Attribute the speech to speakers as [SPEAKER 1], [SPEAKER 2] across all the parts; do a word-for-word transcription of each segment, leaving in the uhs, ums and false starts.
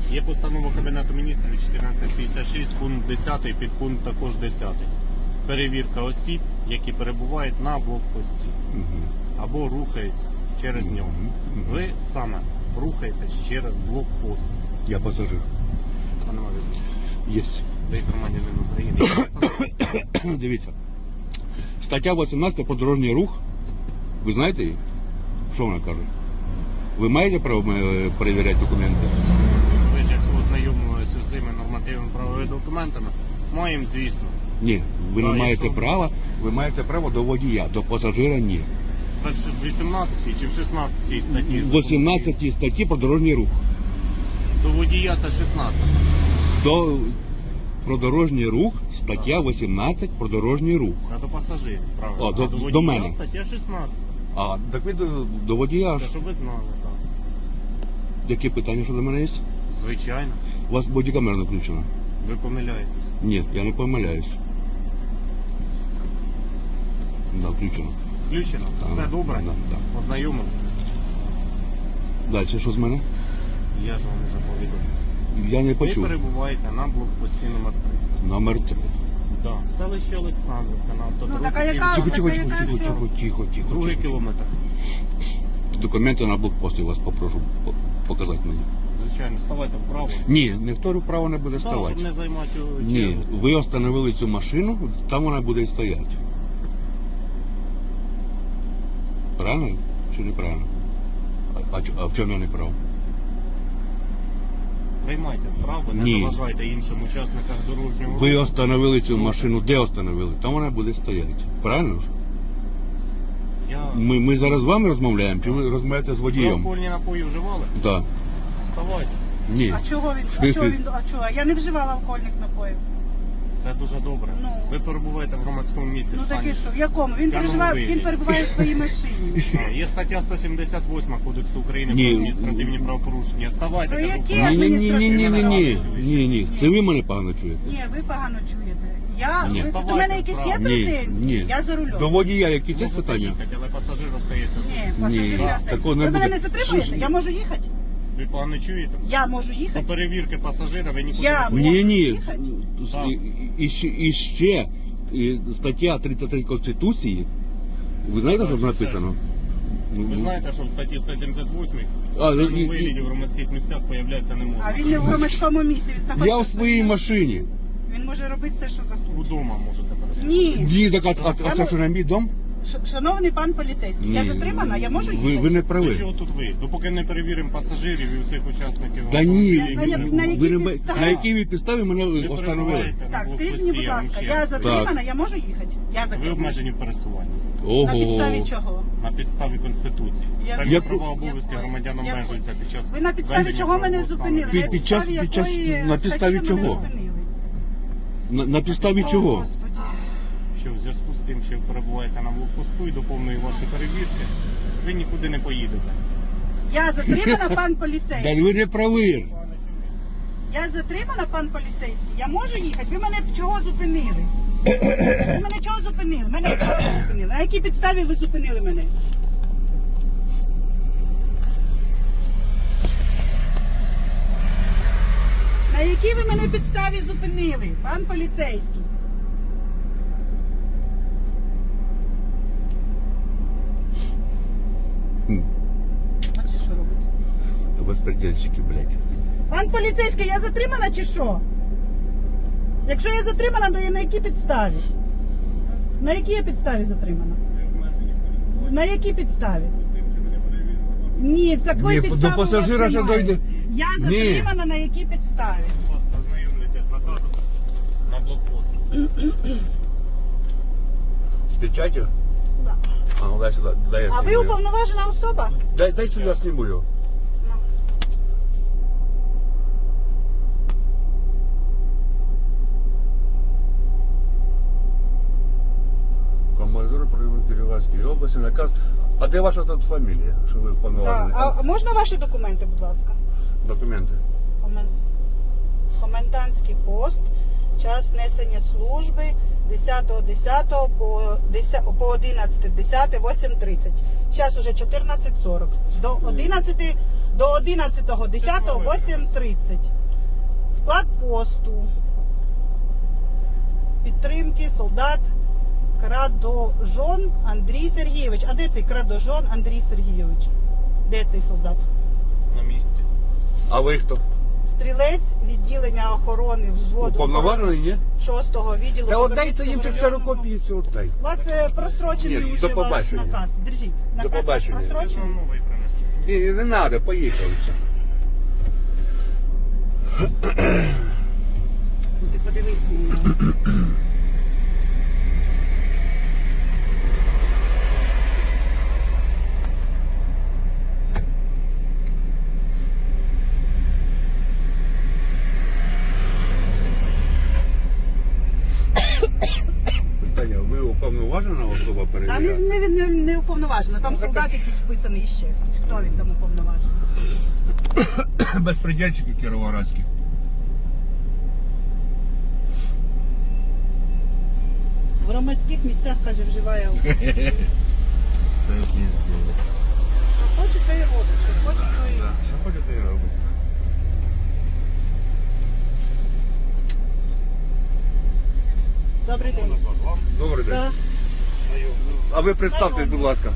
[SPEAKER 1] Є постанова Кабінету міністрів чотирнадцять п'ятдесят шість, пункт десятий, підпункт також десятий. Перевірка осіб, які перебувають на блокпості
[SPEAKER 2] Угу.
[SPEAKER 1] або рухаються через нього. Ви саме рухаєтесь через блокпост.
[SPEAKER 2] Я пасажир.
[SPEAKER 1] Пане Мавізович,
[SPEAKER 2] Єсть.
[SPEAKER 1] ви громадянин України. Є постанова?
[SPEAKER 2] Дивіться. Стаття вісімнадцята про дорожній рух. Ви знаєте її? Що вона каже? Ви маєте право е, перевіряти документи?
[SPEAKER 1] Ви ж, якщо ознайомилися з цими нормативними правовими документами, маємо, звісно.
[SPEAKER 2] Ні, ви
[SPEAKER 1] Да,
[SPEAKER 2] не маєте
[SPEAKER 1] якщо-
[SPEAKER 2] права, ви маєте право до водія, до пасажира ні.
[SPEAKER 1] Так що в вісімнадцятій чи в шістнадцятій статті?
[SPEAKER 2] В вісімнадцятій статті про дорожній рух.
[SPEAKER 1] До водія це шістнадцята.
[SPEAKER 2] До про дорожній рух, стаття вісімнадцять про дорожній рух.
[SPEAKER 1] Це до пасажирів, правильно.
[SPEAKER 2] О, до-
[SPEAKER 1] а до водія
[SPEAKER 2] до мене.
[SPEAKER 1] стаття шістнадцята.
[SPEAKER 2] А, так ви до, до водія.
[SPEAKER 1] Це щоб ви знали, так.
[SPEAKER 2] Які питання щодо мене є?
[SPEAKER 1] Звичайно.
[SPEAKER 2] У вас бодікамера не включена?
[SPEAKER 1] Ви помиляєтесь.
[SPEAKER 2] Ні, я не помиляюсь. Да, включено.
[SPEAKER 1] Включено?
[SPEAKER 2] Так,
[SPEAKER 1] Все добре?
[SPEAKER 2] так, так.
[SPEAKER 1] Ознайомились?
[SPEAKER 2] Далі, що з мене?
[SPEAKER 1] Я ж вам вже повідомив.
[SPEAKER 2] Я не
[SPEAKER 1] Ви
[SPEAKER 2] почув.
[SPEAKER 1] перебуваєте на блокпості номер три.
[SPEAKER 2] Номер три.
[SPEAKER 1] Да. Селище Олександрівка на автодорозі.
[SPEAKER 3] Ну, така яка-
[SPEAKER 2] Тихо, тихо,
[SPEAKER 3] така
[SPEAKER 2] тихо,
[SPEAKER 3] яка
[SPEAKER 2] тихо,
[SPEAKER 3] це?
[SPEAKER 2] тихо, тихо, тихо.
[SPEAKER 1] Другий
[SPEAKER 2] тихо.
[SPEAKER 1] кілометр.
[SPEAKER 2] Документи на блокпост я вас попрошу по- показати мені.
[SPEAKER 1] Звичайно, ставайте вправо.
[SPEAKER 2] Ні, ніхто вправо не буде
[SPEAKER 1] Так,
[SPEAKER 2] ставати.
[SPEAKER 1] щоб не займати чергу.
[SPEAKER 2] Ні, ви остановили цю машину, там вона буде і стояти. Правильно чи неправильно? А, а, чо- а в чому я не прав?
[SPEAKER 1] Приймайте вправо, не
[SPEAKER 2] Ні.
[SPEAKER 1] заважайте іншим учасникам дорожнього руху.
[SPEAKER 2] Ви остановили цю машину, де остановили? Там вона буде стояти. Правильно ж?
[SPEAKER 1] Я...
[SPEAKER 2] Ми, ми зараз з вами розмовляємо, чи ви розмовляєте з
[SPEAKER 1] Ви
[SPEAKER 2] водієм?
[SPEAKER 1] алкогольні напої вживали?
[SPEAKER 2] Так.
[SPEAKER 1] Вставайте.
[SPEAKER 2] Ні.
[SPEAKER 3] А чого він? А чого він? А чого? Я не вживала алкогольних напоїв.
[SPEAKER 1] Це дуже добре.
[SPEAKER 3] Ну.
[SPEAKER 1] Ви перебуваєте в громадському місці.
[SPEAKER 3] Ну
[SPEAKER 1] в стані.
[SPEAKER 3] таке що? В якому? Він
[SPEAKER 1] В п'яному
[SPEAKER 3] переживає,
[SPEAKER 1] вигляді.
[SPEAKER 3] він перебуває в своїй машині.
[SPEAKER 1] А, Є стаття сто сімдесят восьма Кодексу України
[SPEAKER 2] Ні.
[SPEAKER 1] про адміністративні правопорушення. Ставайте,
[SPEAKER 3] Про
[SPEAKER 1] кажу,
[SPEAKER 3] які
[SPEAKER 1] вправо.
[SPEAKER 2] Ні, ні, ні, ні, ні, ні, ні,
[SPEAKER 1] Ні.
[SPEAKER 2] ні, ні. Це ви мене погано чуєте.
[SPEAKER 3] Ні, ви погано чуєте. Я
[SPEAKER 2] Ні.
[SPEAKER 3] ви, до
[SPEAKER 1] Вставайте
[SPEAKER 3] мене якісь є
[SPEAKER 1] вправо.
[SPEAKER 2] Ні,
[SPEAKER 3] претензії?
[SPEAKER 2] ні.
[SPEAKER 3] Я за рулем.
[SPEAKER 2] До водія якісь є
[SPEAKER 1] Можете
[SPEAKER 2] питання?
[SPEAKER 1] їхати, але пасажир остається тут.
[SPEAKER 3] Ні,
[SPEAKER 2] Ні,
[SPEAKER 3] пасажир я
[SPEAKER 2] такого не
[SPEAKER 3] Ви мене
[SPEAKER 2] буде.
[SPEAKER 3] не затримуєте?
[SPEAKER 2] Слушай.
[SPEAKER 3] Я можу їхати?
[SPEAKER 1] Ви погано чуєте?
[SPEAKER 3] Я можу
[SPEAKER 1] До
[SPEAKER 3] їхати?
[SPEAKER 1] перевірки пасажира ви нікуди
[SPEAKER 3] Я
[SPEAKER 1] не
[SPEAKER 3] можу.
[SPEAKER 2] Ні, ні.
[SPEAKER 3] їхати?
[SPEAKER 1] Так.
[SPEAKER 2] І, і, ще- і ще і стаття тридцять три Конституції. Ви знаєте, що написано?
[SPEAKER 1] Ви знаєте, що в статті сто сімдесят восьмій
[SPEAKER 2] А,
[SPEAKER 1] в
[SPEAKER 2] і-
[SPEAKER 1] даному
[SPEAKER 2] і-
[SPEAKER 1] вигляді в громадських місцях появлятися не
[SPEAKER 3] А
[SPEAKER 1] можна.
[SPEAKER 3] він не в громадському місці, він знаходиться.
[SPEAKER 2] Я в своїй машині.
[SPEAKER 3] Він може робити все, що захоче.
[SPEAKER 1] Удома можете перебувати.
[SPEAKER 3] Ні.
[SPEAKER 2] Ні, так, а, а, а це що на мій дом?
[SPEAKER 3] Ш- Шановний пан поліцейський, я
[SPEAKER 2] Ні.
[SPEAKER 3] затримана, я можу їхати?
[SPEAKER 2] Ви, ви не
[SPEAKER 1] До
[SPEAKER 2] праві.
[SPEAKER 1] чого тут ви? Допоки не перевіримо пасажирів і всіх учасників.
[SPEAKER 2] Да ні,
[SPEAKER 1] автомобілів,
[SPEAKER 3] На-
[SPEAKER 1] ви-
[SPEAKER 3] на- на якій
[SPEAKER 2] ви не-
[SPEAKER 3] підставі?
[SPEAKER 2] на якій ви підставі мене
[SPEAKER 1] ви
[SPEAKER 2] остановили?
[SPEAKER 1] перебуваєте на
[SPEAKER 3] Так, скажіть
[SPEAKER 1] блокпості,
[SPEAKER 3] мені, будь
[SPEAKER 1] я вам
[SPEAKER 3] ласка,
[SPEAKER 1] ще
[SPEAKER 3] я
[SPEAKER 1] раз
[SPEAKER 3] затримана, я можу їхати? Я
[SPEAKER 1] Ви
[SPEAKER 3] затримана.
[SPEAKER 1] обмежені в пересуванні
[SPEAKER 3] На підставі
[SPEAKER 2] Ого.
[SPEAKER 3] чого?
[SPEAKER 1] на підставі Конституції.
[SPEAKER 3] Я-
[SPEAKER 1] Певні
[SPEAKER 2] Яку-
[SPEAKER 1] права обов'язки
[SPEAKER 3] Яку-
[SPEAKER 1] громадян
[SPEAKER 3] яку-
[SPEAKER 1] обмежуються під час.
[SPEAKER 3] Ви на підставі
[SPEAKER 1] ведення
[SPEAKER 3] чого мене
[SPEAKER 1] правового стану.
[SPEAKER 3] зупинили?
[SPEAKER 2] Під-
[SPEAKER 3] На
[SPEAKER 2] під час-
[SPEAKER 3] підставі
[SPEAKER 2] під час-
[SPEAKER 3] якої
[SPEAKER 2] на підставі
[SPEAKER 3] статті ви мене
[SPEAKER 2] чого?
[SPEAKER 3] зупинили?
[SPEAKER 2] На, на підставі
[SPEAKER 3] О,
[SPEAKER 2] чого?
[SPEAKER 3] Господи.
[SPEAKER 1] Що в зв'язку з тим, що ви перебуваєте на блокпосту і до повної вашої перевірки, ви нікуди не поїдете.
[SPEAKER 3] Я затримана, пан
[SPEAKER 2] Да
[SPEAKER 3] поліцейський.
[SPEAKER 2] ви не праві.
[SPEAKER 3] Я затримана, пан поліцейський. Я можу їхати? Ви мене чого зупинили? Ви мене чого зупинили? Мене чого зупинили? На якій підставі ви зупинили мене? На якій ви мене підставі зупинили, пан поліцейський?
[SPEAKER 2] Хм.
[SPEAKER 3] Бачите, що робить?
[SPEAKER 2] Безпредельщики, блядь.
[SPEAKER 3] Пан поліцейський, я затримана чи що? Якщо я затримана, то я на якій підставі? На якій я підставі затримана?
[SPEAKER 1] Ви обмежені в пересуванні.
[SPEAKER 3] На якій підставі?
[SPEAKER 1] З тим, що ви не перевірили.
[SPEAKER 3] Ні, такої
[SPEAKER 2] Ні, до
[SPEAKER 3] підстави у вас
[SPEAKER 2] пасажира ще
[SPEAKER 3] немає.
[SPEAKER 2] дойде.
[SPEAKER 3] Я
[SPEAKER 2] Ні.
[SPEAKER 3] затримана на якій підставі?
[SPEAKER 1] Будь ласка, ознайомлюйтесь з наказом на блокпост.
[SPEAKER 2] З печатью?
[SPEAKER 3] Да.
[SPEAKER 2] А, ну дай сюди, дай я
[SPEAKER 3] А ви
[SPEAKER 2] зніму.
[SPEAKER 3] уповноважена особа?
[SPEAKER 2] Дай, дай сюди, зніму його.
[SPEAKER 3] Ну.
[SPEAKER 2] Командир прийому Кіровоградської області, наказ. А де ваша тут фамілія, що ви
[SPEAKER 3] Да.
[SPEAKER 2] повноважені?
[SPEAKER 3] А а можна ваші документи, будь ласка?
[SPEAKER 2] Документи.
[SPEAKER 3] Комен... Комендантський пост, час несення служби десятого десятого по, десятого по одинадцяте десяте, восемь тридцять. Час уже чотирнадцять сорок. До одинадцяти до одинадцятого десятого восемь тридцать. Склад посту. Підтримки солдат Крадожон Андрій Сергійович. А де цей Крадожон Андрій Сергійович? Де цей солдат?
[SPEAKER 1] На місці.
[SPEAKER 2] А ви хто?
[SPEAKER 3] Стрілець відділення охорони взводу
[SPEAKER 2] Уповноважений, ні?
[SPEAKER 3] шостого відділу.
[SPEAKER 2] Та отдай це їм
[SPEAKER 3] Ківерцівського
[SPEAKER 2] ксерокопії, це отдай.
[SPEAKER 3] У вас е, просрочений
[SPEAKER 2] Ні,
[SPEAKER 3] уже
[SPEAKER 2] до
[SPEAKER 3] ваш
[SPEAKER 2] побачення.
[SPEAKER 3] наказ. Держіть. Наказ ваш
[SPEAKER 2] побачення.
[SPEAKER 1] Я ж
[SPEAKER 3] просрочений.
[SPEAKER 1] вам новий принесу.
[SPEAKER 2] Ні, не треба, поїхали все.
[SPEAKER 3] Ну, ти подивись на нього.
[SPEAKER 2] Питання, ви уповноважена особа
[SPEAKER 3] Там не,
[SPEAKER 2] перевіряє?
[SPEAKER 3] не, не, не уповноважено, там солдат якийсь вписаний ще хтось. Хто він там уповноважений?
[SPEAKER 2] Безпредельщики кіровоградські.
[SPEAKER 3] В громадських місцях, каже, вживає алкоголь.
[SPEAKER 1] Це піздець.
[SPEAKER 3] Що хоче, то і робить, що хоче, то і робить.
[SPEAKER 2] Що хочете і робити?
[SPEAKER 3] Добрий день.
[SPEAKER 2] Добрий день.
[SPEAKER 3] Так.
[SPEAKER 2] А ви представтесь, будь ласка.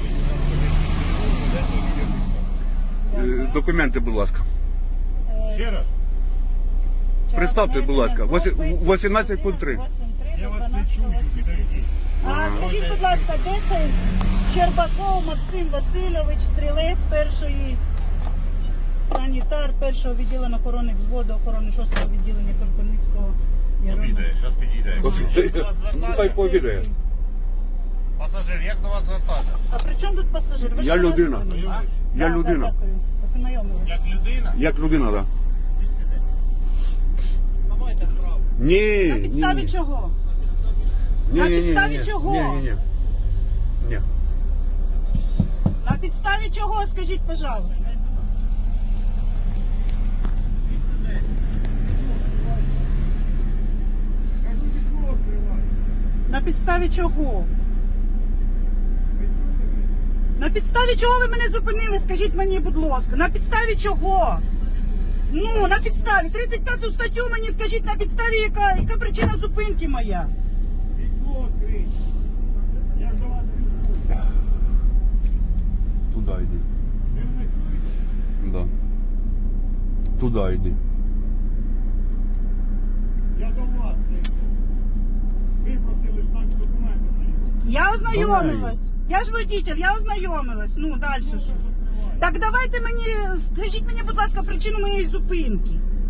[SPEAKER 2] Е, Документи, будь ласка.
[SPEAKER 1] Ще раз.
[SPEAKER 2] Представте, будь ласка, восі- вісімнадцять пункт три.
[SPEAKER 1] Я вас не чую, підійдіть.
[SPEAKER 3] А скажіть, будь ласка, де цей Щербаков Максим Васильович, стрілець першої, санітар першого відділення охорони взводу охорони шостого відділення Кропивницького
[SPEAKER 1] Обідає, зараз підійде.
[SPEAKER 2] Хай пообідає.
[SPEAKER 1] Пасажир, як до вас звертатися?
[SPEAKER 3] А при чому тут пасажир? Ви ж
[SPEAKER 2] Я
[SPEAKER 3] мене
[SPEAKER 2] людина.
[SPEAKER 3] зупинили.
[SPEAKER 1] Я
[SPEAKER 2] Я
[SPEAKER 3] Так,
[SPEAKER 2] людина.
[SPEAKER 3] так, дякую. Познайомились.
[SPEAKER 1] Як людина?
[SPEAKER 2] Як людина, так?
[SPEAKER 1] Ти сидиш. Давайте вправо.
[SPEAKER 2] Ні,
[SPEAKER 3] На
[SPEAKER 2] ні,
[SPEAKER 3] підставі
[SPEAKER 2] ні.
[SPEAKER 3] чого?
[SPEAKER 2] Ні,
[SPEAKER 3] На
[SPEAKER 2] ні, ні,
[SPEAKER 3] підставі
[SPEAKER 2] ні,
[SPEAKER 3] чого?
[SPEAKER 2] Ні, ні, ні. Ні.
[SPEAKER 3] На підставі чого, скажіть, пожалуйста? На підставі чого? На підставі чого ви мене зупинили? Скажіть мені, будь ласка, на підставі чого? Ну, на підставі. тридцять п'яту статтю мені скажіть, на підставі яка, яка причина зупинки моя?
[SPEAKER 2] Туди йди. Да. Туди йди.
[SPEAKER 1] Я до вас. Ви просили знак документи.
[SPEAKER 3] Я ознайомилась. Я ж водитель, я ознайомилась. Ну, далі що? Так давайте мені, скажіть мені, будь ласка, причину моєї зупинки.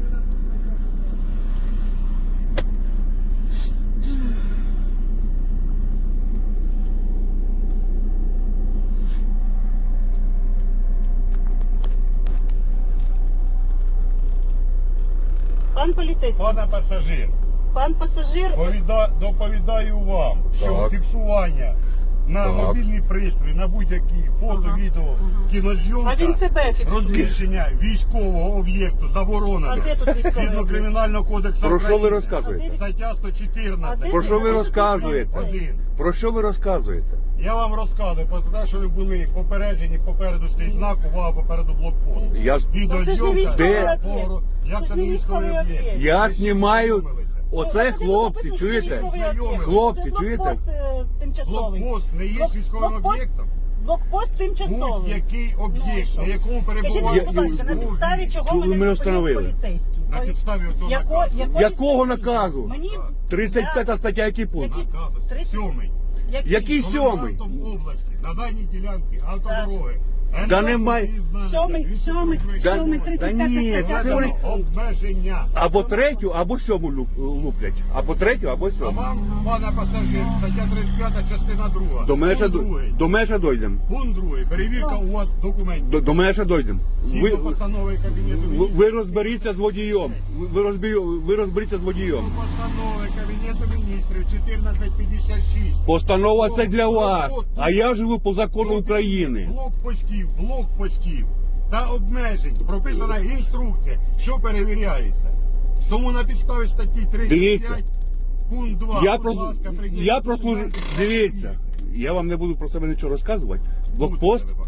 [SPEAKER 3] Пан поліцейський,
[SPEAKER 1] Пане пасажир,
[SPEAKER 3] пан пасажир,
[SPEAKER 1] повіда- доповідаю вам, що
[SPEAKER 2] Так.
[SPEAKER 1] фіксування на
[SPEAKER 2] Так.
[SPEAKER 1] мобільний пристрій, на будь-які фото,
[SPEAKER 3] Ага.
[SPEAKER 1] відео,
[SPEAKER 3] Ага.
[SPEAKER 1] кінозйомка,
[SPEAKER 3] а він себе фіксує.
[SPEAKER 1] розміщення військового об'єкту
[SPEAKER 3] А
[SPEAKER 1] заборонено.
[SPEAKER 3] де тут військовий
[SPEAKER 1] Згідно
[SPEAKER 3] об'єкт?
[SPEAKER 1] Кримінального кодексу
[SPEAKER 2] Про що ви
[SPEAKER 1] України.
[SPEAKER 2] розказуєте?
[SPEAKER 1] Стаття сто
[SPEAKER 3] А
[SPEAKER 1] чотирнадцять.
[SPEAKER 3] де
[SPEAKER 2] Про що ви
[SPEAKER 3] тут
[SPEAKER 2] розказуєте?
[SPEAKER 3] поліцейський?
[SPEAKER 1] Один.
[SPEAKER 2] Про що ви розказуєте?
[SPEAKER 1] Я вам розказую, про те, що ви були попереджені, попереду стоїть знак, увага, попереду блокпост.
[SPEAKER 2] Я, ж-
[SPEAKER 3] Ну, це ж не
[SPEAKER 1] Відеозйомка.
[SPEAKER 3] військовий
[SPEAKER 2] Де?
[SPEAKER 3] об'єкт.
[SPEAKER 1] Поворот. Як
[SPEAKER 3] Це
[SPEAKER 1] це
[SPEAKER 3] ж
[SPEAKER 1] не
[SPEAKER 3] не
[SPEAKER 1] військовий
[SPEAKER 3] військовий
[SPEAKER 1] об'єкт?
[SPEAKER 3] об'єкт.
[SPEAKER 2] я
[SPEAKER 1] Ви
[SPEAKER 2] знімаю.
[SPEAKER 1] знайомилися?
[SPEAKER 2] Оце
[SPEAKER 3] Ну,
[SPEAKER 2] хлопці,
[SPEAKER 3] написано,
[SPEAKER 2] чуєте?
[SPEAKER 3] що військовий об'єкт.
[SPEAKER 2] Хлопці,
[SPEAKER 3] Це
[SPEAKER 2] чуєте?
[SPEAKER 3] блокпост, е, тимчасовий.
[SPEAKER 1] Блокпост не є
[SPEAKER 3] Блок-
[SPEAKER 1] військовим
[SPEAKER 3] блокпост-
[SPEAKER 1] об'єктом.
[SPEAKER 3] Блокпост тимчасовий.
[SPEAKER 1] Будь-який
[SPEAKER 3] Ну,
[SPEAKER 1] об'єкт,
[SPEAKER 3] що?
[SPEAKER 1] на якому
[SPEAKER 3] Скажіть
[SPEAKER 1] перебуває
[SPEAKER 3] мені, будь ласка, на
[SPEAKER 1] військовий,
[SPEAKER 3] підставі чого
[SPEAKER 2] Чому ви
[SPEAKER 3] мене
[SPEAKER 2] мене
[SPEAKER 3] зупинив
[SPEAKER 2] встановили?
[SPEAKER 3] поліцейський?
[SPEAKER 1] на підставі оцього
[SPEAKER 3] Яко-
[SPEAKER 1] наказу.
[SPEAKER 3] якої
[SPEAKER 2] Якого
[SPEAKER 3] статті?
[SPEAKER 2] наказу?
[SPEAKER 3] Мені
[SPEAKER 2] тридцять п'ята стаття, який пункт?
[SPEAKER 3] Які-
[SPEAKER 1] Наказу.
[SPEAKER 3] тридцять-
[SPEAKER 1] Сьомий.
[SPEAKER 2] Який сьомий?
[SPEAKER 1] Комендантом області, на даній ділянці автодороги.
[SPEAKER 2] Да немає.
[SPEAKER 3] Сьомий, сьомий,
[SPEAKER 2] Да-
[SPEAKER 3] сьомий,
[SPEAKER 2] да
[SPEAKER 3] тридцять п'ята
[SPEAKER 2] ні,
[SPEAKER 3] стаття.
[SPEAKER 2] це вони-
[SPEAKER 1] Обмеження.
[SPEAKER 2] Або третю, або сьому луп- луплять. Або третю, або
[SPEAKER 1] А
[SPEAKER 2] сьому.
[SPEAKER 1] вам, пане пасажир, стаття тридцять п'ята, частина друга.
[SPEAKER 2] До мене ще,
[SPEAKER 1] Пункт другий.
[SPEAKER 2] до мене ще дойдемо.
[SPEAKER 1] Пункт другий. Перевірка у вас документів.
[SPEAKER 2] До, до мене ще дойдемо. Ви,
[SPEAKER 1] Згідно постанови Кабінету
[SPEAKER 2] ви,
[SPEAKER 1] Міністрів.
[SPEAKER 2] ви розберіться з водієм. Ви, ви, розбі- ви розберіться з водієм.
[SPEAKER 1] Згідно постанови Кабінету Міністрів чотирнадцять п'ятдесят шість.
[SPEAKER 2] Постанова це для вас, а я живу по закону України.
[SPEAKER 1] Блокпостів, блокпостів та обмежень. Прописана інструкція, що перевіряється. Тому на підставі статті
[SPEAKER 2] Дивіться.
[SPEAKER 1] тридцять п'ять, пункт два.
[SPEAKER 2] Я
[SPEAKER 1] будь
[SPEAKER 2] просто,
[SPEAKER 1] ласка, прийдіть
[SPEAKER 2] я
[SPEAKER 1] до
[SPEAKER 2] прослужу.
[SPEAKER 1] документів.
[SPEAKER 2] Дивіться, я вам не буду про себе нічого розказувати. Блокпост,
[SPEAKER 1] Будете ви показувати.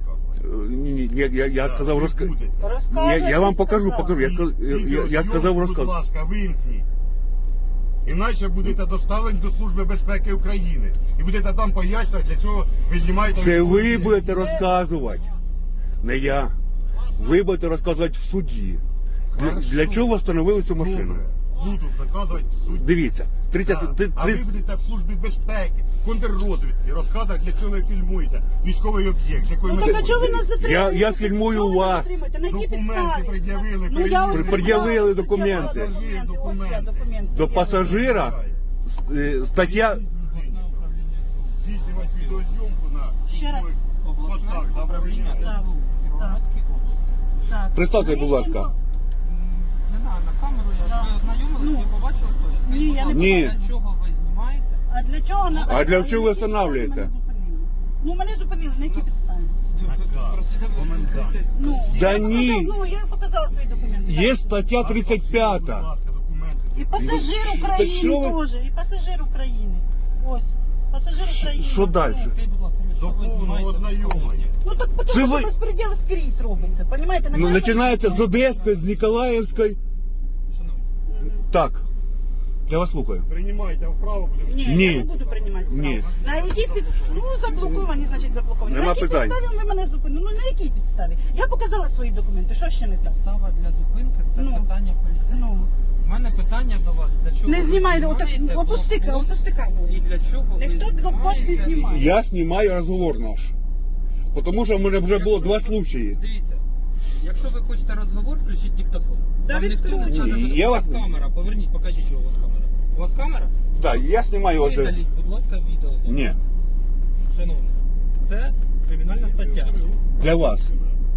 [SPEAKER 2] ні, ні, я, я, я сказав розка...
[SPEAKER 4] Буде.
[SPEAKER 2] Я,
[SPEAKER 3] Розказуй,
[SPEAKER 2] я вам
[SPEAKER 3] ти
[SPEAKER 2] покажу,
[SPEAKER 3] сказав.
[SPEAKER 2] покажу. Я, сказ... я, я, я
[SPEAKER 4] Відеозйомку,
[SPEAKER 2] сказав
[SPEAKER 4] будь
[SPEAKER 2] розказ.
[SPEAKER 4] ласка, вимкніть. Іначе будете доставлені до Служби безпеки України. І будете там пояснювати, для чого ви знімаєте...
[SPEAKER 2] Це ви
[SPEAKER 4] відео.
[SPEAKER 2] будете розказувати, не я. Ви будете розказувати в суді. Для,
[SPEAKER 4] Хорошо.
[SPEAKER 2] для чого встановили цю машину?
[SPEAKER 4] Добре. Буду доказувати в суді.
[SPEAKER 2] Дивіться, тридцять,
[SPEAKER 4] Так.
[SPEAKER 2] ти-
[SPEAKER 4] А ви
[SPEAKER 2] тридцять-
[SPEAKER 4] будете в Службі безпеки, контррозвідки, розказувати, для чого ви фільмуєте військовий об'єкт, з якої
[SPEAKER 3] Ну
[SPEAKER 4] метою.
[SPEAKER 3] так а чого ви нас затримуєте?
[SPEAKER 2] Я- я фільмую
[SPEAKER 3] Чого ви нас
[SPEAKER 2] вас.
[SPEAKER 3] затримуєте? На якій
[SPEAKER 4] Документи
[SPEAKER 3] підставі?
[SPEAKER 4] пред'явили,
[SPEAKER 3] Ну, я ось
[SPEAKER 4] перевірили.
[SPEAKER 2] Пред'явили
[SPEAKER 3] пред'явила
[SPEAKER 2] документи.
[SPEAKER 3] Ось я,
[SPEAKER 4] Документи.
[SPEAKER 3] документи.
[SPEAKER 2] До пасажира е, стаття.
[SPEAKER 4] Здійснювати відеозйомку на
[SPEAKER 3] Ще раз.
[SPEAKER 5] Обласне
[SPEAKER 4] Отак, да,
[SPEAKER 5] управління
[SPEAKER 3] Так.
[SPEAKER 5] СБУ Кіровоградській області.
[SPEAKER 3] Так.
[SPEAKER 2] Представте, будь ласка.
[SPEAKER 5] М, Не знаю, на камеру я
[SPEAKER 3] Да.
[SPEAKER 5] ви ознайомились,
[SPEAKER 3] Ну.
[SPEAKER 5] ви побачили, хто я? Скажіть,
[SPEAKER 3] Ні,
[SPEAKER 5] будь
[SPEAKER 3] я не
[SPEAKER 5] ласка,
[SPEAKER 2] Ні.
[SPEAKER 5] для чого ви знімаєте?
[SPEAKER 3] А для чого? на-
[SPEAKER 2] А для
[SPEAKER 3] на
[SPEAKER 2] чого ви
[SPEAKER 3] якій підставі
[SPEAKER 2] встановлюєте?
[SPEAKER 3] мене зупинили? Ну, мене зупинили, на якій підставі?
[SPEAKER 4] Так,
[SPEAKER 5] Про це ви
[SPEAKER 4] комендант.
[SPEAKER 5] спілкуєтесь.
[SPEAKER 3] Ну,
[SPEAKER 2] Да
[SPEAKER 3] я
[SPEAKER 2] ні.
[SPEAKER 3] показала- Ну, я показала свої документи.
[SPEAKER 2] Є стаття тридцять
[SPEAKER 4] Будь
[SPEAKER 2] п'ята.
[SPEAKER 4] ласка, документи.
[SPEAKER 3] І пасажир
[SPEAKER 2] Так що
[SPEAKER 3] України
[SPEAKER 2] ви-
[SPEAKER 3] теж, і пасажир України. Ось, пасажир України.
[SPEAKER 2] Що далі?
[SPEAKER 5] Скажіть, будь ласка, для
[SPEAKER 4] До
[SPEAKER 5] чого ви
[SPEAKER 4] повного
[SPEAKER 5] знімаєте
[SPEAKER 4] ознайомлення.
[SPEAKER 5] військовий?
[SPEAKER 3] Ну так
[SPEAKER 2] Це
[SPEAKER 3] тому
[SPEAKER 2] ви-
[SPEAKER 3] що безпреділ скрізь робиться, понімаєте?
[SPEAKER 2] Ну, починається з Одеської, з Ніколаївської.
[SPEAKER 5] Шановні,
[SPEAKER 2] Так. Я вас слухаю.
[SPEAKER 4] Приймайте вправо, будемо.
[SPEAKER 3] Ні,
[SPEAKER 2] Ні.
[SPEAKER 3] я не буду приймати.
[SPEAKER 2] Ні.
[SPEAKER 3] право. На якій підставі? Ну, заблоковані, значить заблоковані.
[SPEAKER 2] Нема
[SPEAKER 3] на якій
[SPEAKER 2] питань.
[SPEAKER 3] підставі ви мене зупинили? Ну, на якій підставі? Я показала свої документи, що ще не так?
[SPEAKER 5] підстава для зупинки це
[SPEAKER 3] Ну.
[SPEAKER 5] питання поліцейського.
[SPEAKER 3] Ну.
[SPEAKER 5] У мене питання до вас, для чого
[SPEAKER 3] Не
[SPEAKER 5] ви
[SPEAKER 3] знімай, отак,
[SPEAKER 5] знімаєте
[SPEAKER 3] опусти,
[SPEAKER 5] блокпост
[SPEAKER 3] опусти камеру.
[SPEAKER 5] і для чого ви
[SPEAKER 3] Ніхто блокпост не
[SPEAKER 5] знімаєте?
[SPEAKER 3] знімає.
[SPEAKER 2] Я знімаю розговор наш. Тому що в мене вже було два случаї.
[SPEAKER 5] Дивіться, якщо ви хочете розговор, включіть диктофон.
[SPEAKER 3] Да
[SPEAKER 5] Вам ніхто не
[SPEAKER 3] відключу.
[SPEAKER 5] скаже,
[SPEAKER 2] Я
[SPEAKER 5] у
[SPEAKER 2] вас-
[SPEAKER 5] вас камера, поверніть, покажіть, що у вас камера. У вас камера?
[SPEAKER 2] Так, я знімаю. от-
[SPEAKER 5] Видаліть, будь ласка, відео. зараз.
[SPEAKER 2] Ні,
[SPEAKER 5] Шановний, це кримінальна стаття.
[SPEAKER 2] для вас.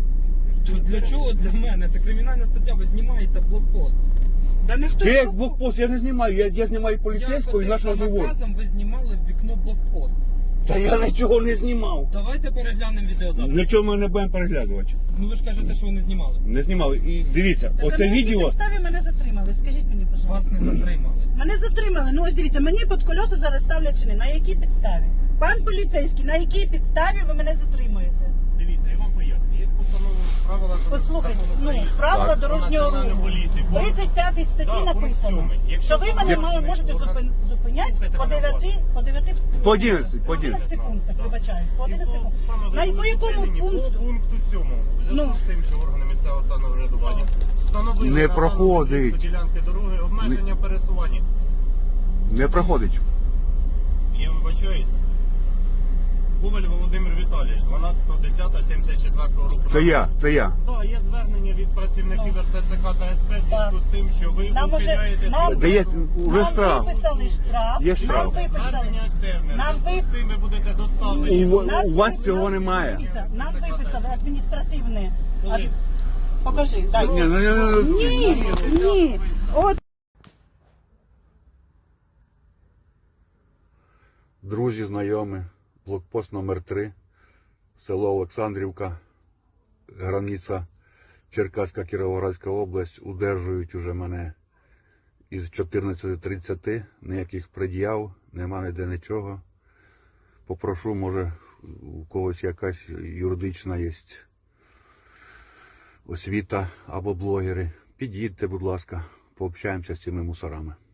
[SPEAKER 5] То Для чого для мене? Це кримінальна стаття, ви знімаєте блокпост.
[SPEAKER 3] Да ніхто
[SPEAKER 2] Де
[SPEAKER 3] не
[SPEAKER 2] як блокпост? Я не знімаю. Я, я знімаю поліцейського і
[SPEAKER 5] Я
[SPEAKER 2] наш
[SPEAKER 5] ходив за
[SPEAKER 2] розговор.
[SPEAKER 5] наказом, ви знімали в вікно блокпост.
[SPEAKER 2] Та я нічого не знімав.
[SPEAKER 5] Давайте переглянемо відеозапис.
[SPEAKER 2] Нічого ми не будемо переглядувати.
[SPEAKER 5] Ну ви ж кажете, що ви не знімали.
[SPEAKER 2] Не знімали. І дивіться,
[SPEAKER 3] Так,
[SPEAKER 2] оце
[SPEAKER 3] на якій
[SPEAKER 2] відео.
[SPEAKER 3] підставі мене затримали? Скажіть мені,
[SPEAKER 5] Вас
[SPEAKER 3] пожалуйста.
[SPEAKER 5] не затримали.
[SPEAKER 3] Мене затримали. Ну ось дивіться, мені під колеса зараз ставлять чини. На якій підставі? Пан поліцейський, на якій підставі ви мене затримуєте?
[SPEAKER 1] Дивіться, я вам поясню. Є постанова правила
[SPEAKER 3] Послухайте,
[SPEAKER 1] закону
[SPEAKER 3] ну
[SPEAKER 1] України
[SPEAKER 3] правила
[SPEAKER 2] Так.
[SPEAKER 3] дорожнього
[SPEAKER 1] Національної
[SPEAKER 3] руху.
[SPEAKER 1] поліції.
[SPEAKER 3] В тридцять п'ятій статті
[SPEAKER 1] Да, пункт
[SPEAKER 3] написано,
[SPEAKER 1] сьомий. Якщо
[SPEAKER 3] що ви мене
[SPEAKER 1] орган-
[SPEAKER 3] мали- можете
[SPEAKER 1] орган-
[SPEAKER 3] зупин- зупиняти
[SPEAKER 1] Слухайте
[SPEAKER 3] по
[SPEAKER 1] мене
[SPEAKER 3] дев'яти,
[SPEAKER 1] уважно.
[SPEAKER 3] по дев'яти,
[SPEAKER 2] По одинадцяти, по
[SPEAKER 3] одинадцяти
[SPEAKER 1] одинадцяти.
[SPEAKER 3] пунктах,
[SPEAKER 1] Так.
[SPEAKER 3] вибачаюсь, по
[SPEAKER 1] І
[SPEAKER 3] одинадцяти
[SPEAKER 1] по-
[SPEAKER 3] пунктах.
[SPEAKER 1] саме ви
[SPEAKER 3] На
[SPEAKER 1] були
[SPEAKER 3] по якому
[SPEAKER 1] зупинені
[SPEAKER 3] пункту?
[SPEAKER 1] По пункту сьомому. В зв'язку
[SPEAKER 3] Ну.
[SPEAKER 1] з тим, що органи місцевого самоврядування встановили
[SPEAKER 2] Не
[SPEAKER 1] на
[SPEAKER 2] проходить.
[SPEAKER 1] даному ділянки дороги обмеження пересування.
[SPEAKER 2] Не проходить.
[SPEAKER 1] Я вибачаюсь. Коваль Володимир Віталійович, дванадцяте десяте сімдесят четвертого року.
[SPEAKER 2] Це я, це я.
[SPEAKER 1] Так, є звернення від працівників
[SPEAKER 3] Ну.
[SPEAKER 1] РТЦК та СП в зв'язку з тим, що ви
[SPEAKER 3] Нам уже-
[SPEAKER 1] ухиляєтесь
[SPEAKER 3] нам-
[SPEAKER 1] від
[SPEAKER 2] Де є
[SPEAKER 1] призову.
[SPEAKER 2] уже
[SPEAKER 3] Нам
[SPEAKER 2] штраф.
[SPEAKER 3] виписали штраф.
[SPEAKER 2] Є штраф.
[SPEAKER 3] Нам виписали.
[SPEAKER 1] Звернення активне. В
[SPEAKER 3] Нам
[SPEAKER 1] зв'язку з
[SPEAKER 3] ви-
[SPEAKER 1] цим ви будете доставлені.
[SPEAKER 2] У,
[SPEAKER 3] Нас
[SPEAKER 2] у вас
[SPEAKER 3] ви-
[SPEAKER 2] цього
[SPEAKER 3] нам-
[SPEAKER 2] немає.
[SPEAKER 3] дивіться, Нам виписали адміністративне.
[SPEAKER 1] Коли?
[SPEAKER 3] Ад- Покажи, дай.
[SPEAKER 2] Ні, ну, ну, ну,
[SPEAKER 3] Ні, ні. От
[SPEAKER 2] Друзі, знайомі, блокпост номер три, село Олександрівка, границя Черкаська, Кіровоградська область, удержують уже мене із чотирнадцяти тридцяти, ніяких пред'яв, нема ніде нічого. Попрошу, може, у когось якась юридична є освіта або блогери. Під'їдьте, будь ласка, пообщаємося з цими мусорами.